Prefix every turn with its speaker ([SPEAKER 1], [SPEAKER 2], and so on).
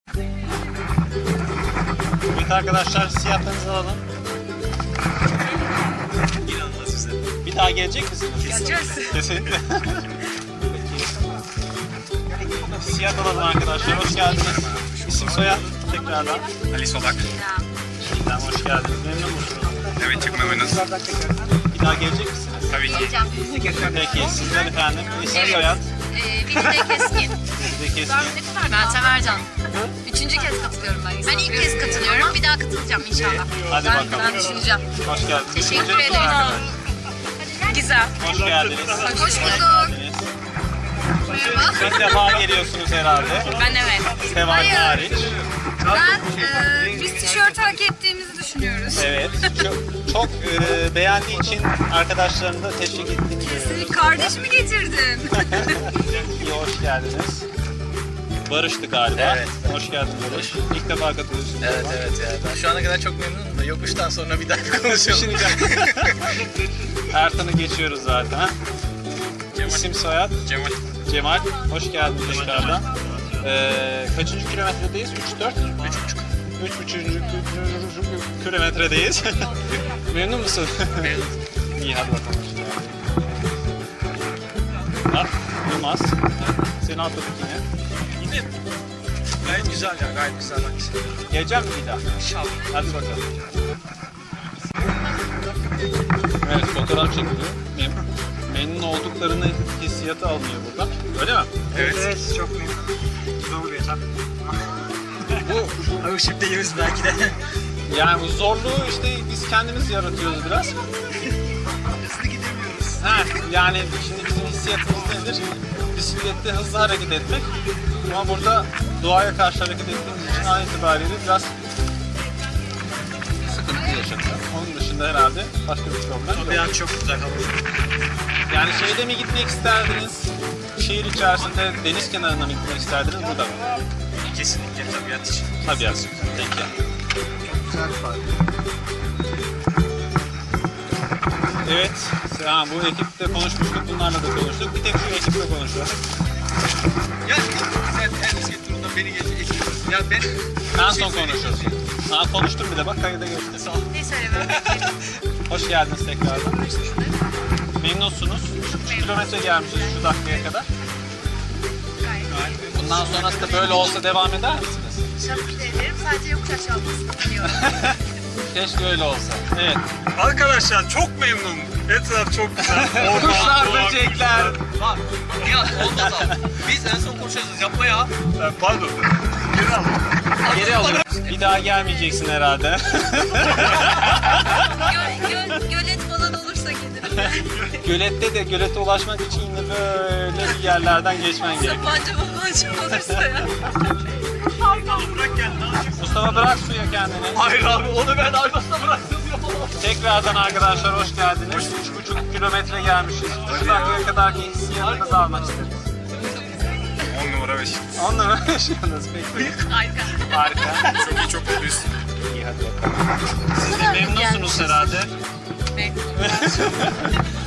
[SPEAKER 1] Evet arkadaşlar, hissiyatlarınızı alalım.
[SPEAKER 2] İnanılmaz güzel.
[SPEAKER 1] Bir daha gelecek misiniz?
[SPEAKER 3] Geleceğiz.
[SPEAKER 1] Kesinlikle. Hissiyat alalım arkadaşlar, hoş geldiniz. İsim soyad tekrardan.
[SPEAKER 2] Ali Solak.
[SPEAKER 1] Şimdiden hoş geldiniz. Memnun musunuz?
[SPEAKER 2] Evet, çok memnunuz.
[SPEAKER 1] Bir daha gelecek misiniz?
[SPEAKER 2] Tabii ki.
[SPEAKER 1] Peki, sizden efendim. İsim soyad.
[SPEAKER 3] Bilge Keskin.
[SPEAKER 1] Size kesin.
[SPEAKER 3] Ben Semercan. Üçüncü kez katılıyorum ben. Ben ilk kez katılıyorum. Bir daha katılacağım inşallah.
[SPEAKER 1] Hadi
[SPEAKER 3] ben,
[SPEAKER 1] bakalım.
[SPEAKER 3] Ben düşüneceğim.
[SPEAKER 1] Hoş geldiniz.
[SPEAKER 3] Teşekkür
[SPEAKER 1] Öncelikle
[SPEAKER 3] ederim.
[SPEAKER 1] arkadaşlar,
[SPEAKER 3] Güzel.
[SPEAKER 1] hoş geldiniz.
[SPEAKER 3] Hoş bulduk.
[SPEAKER 1] geldiniz.
[SPEAKER 3] Merhaba.
[SPEAKER 1] İlk defa geliyorsunuz herhalde.
[SPEAKER 3] Ben evet.
[SPEAKER 1] Seval hariç.
[SPEAKER 3] Ben biz tişört hak ettiğimizi düşünüyoruz.
[SPEAKER 1] Evet. Çok beğendiği için arkadaşlarını da teşvik ettiğini görüyoruz.
[SPEAKER 3] Kardeşimi getirdin.
[SPEAKER 1] İyi, hoş geldiniz. Barış'tı galiba.
[SPEAKER 2] Evet.
[SPEAKER 1] Hoş geldin Barış. İlk defa katılıyorsun.
[SPEAKER 2] Evet evet ya. Ben şu ana kadar çok memnunum da yokuştan sonra bir daha konuşalım.
[SPEAKER 1] Ertan'ı geçiyoruz zaten.
[SPEAKER 2] Cemal.
[SPEAKER 1] İsim soyad?
[SPEAKER 2] Cemal.
[SPEAKER 1] Cemal. Hoş geldin tekrardan. Kaçıncı kilometredeyiz? 3-4? 3,5 kilometredeyiz. Memnun musun?
[SPEAKER 2] Memnun.
[SPEAKER 1] İyi, hadi bakalım. Yılmaz. Seni atladık yine.
[SPEAKER 2] Yine gayet güzel ya, gayet güzel bak.
[SPEAKER 1] Geleceğim mi bir daha?
[SPEAKER 2] İnşallah.
[SPEAKER 1] Hadi bakalım. Evet, fotoğraf çekiliyor. Memnun olduklarını hissiyatı alınıyor burada. Öyle mi?
[SPEAKER 2] Evet. Evet, çok memnunum. Zor bir etap. Bu alışıp belki de.
[SPEAKER 1] Yani bu zorluğu işte biz kendimiz yaratıyoruz biraz.
[SPEAKER 2] Hızlı gidemiyoruz.
[SPEAKER 1] Yani şimdi bizim hissiyatımız nedir? Bisiklette hızlı hareket etmek. Ama burada doğaya karşı hareket ettiğimiz için an itibariyle biraz sıkıntı yaşanıyor. Onun dışında herhalde başka bir problem yok.
[SPEAKER 2] Bir an çok güzel hava.
[SPEAKER 1] Yani şeyde mi gitmek isterdiniz? Şehir içerisinde deniz kenarına mı gitmek isterdiniz? Burada mı?
[SPEAKER 2] Kesinlikle tabiat için.
[SPEAKER 1] Tabiat. Peki.
[SPEAKER 2] Güzel bir park.
[SPEAKER 1] Evet. Bu ekiple konuşmuştuk. Bunlarla da konuştuk. Bir tek şu ekiple konuşuyoruz.
[SPEAKER 2] Ya sen her bisiklet turunda beni geçiyorsun. Ya ben
[SPEAKER 1] En son konuşuyoruz. Ben konuştum bile, bak kayıda geçti.
[SPEAKER 2] sağ ol.
[SPEAKER 3] Ne söylemem?
[SPEAKER 1] Hoş geldiniz tekrardan. Memnunsunuz. 3 kilometre gelmişiz şu dakikaya kadar. Bundan sonrası da böyle olsa devam eder misiniz?
[SPEAKER 3] Şarkı ederim. Sadece yokuş aşağı olmasını biliyorum.
[SPEAKER 1] Keşke öyle olsa. Evet.
[SPEAKER 2] Arkadaşlar çok memnunum. Etraf çok güzel.
[SPEAKER 1] Kuşlar, böcekler.
[SPEAKER 4] Bak, ya olmaz abi. Biz en son konuşacağız. Yapma ya.
[SPEAKER 2] Pardon. Geri al.
[SPEAKER 1] Geri alıyorum. Bir daha gelmeyeceksin herhalde.
[SPEAKER 3] Gölet falan olursa gelirim.
[SPEAKER 1] Gölette de gölete ulaşmak için yine böyle bir yerlerden geçmen gerekiyor.
[SPEAKER 3] Sapanca olursa ya.
[SPEAKER 2] Bırak gel.
[SPEAKER 1] Mustafa, bırak suya kendini.
[SPEAKER 4] Hayır abi, onu ben arkasına bıraktım. Yapamam.
[SPEAKER 1] Tekrardan arkadaşlar hoş geldiniz. 3,5 kilometre gelmişiz. Şu dakikaya kadarki hissiyatınızı almak isteriz.
[SPEAKER 2] 10 numara 5.
[SPEAKER 1] Onunla mı yaşıyorsunuz peki?
[SPEAKER 3] Harika.
[SPEAKER 1] Harika.
[SPEAKER 2] Çok iyi, çok mutluyuz.
[SPEAKER 1] İyi, hadi bakalım. Siz de memnunsunuz herhalde.
[SPEAKER 3] Memnunum.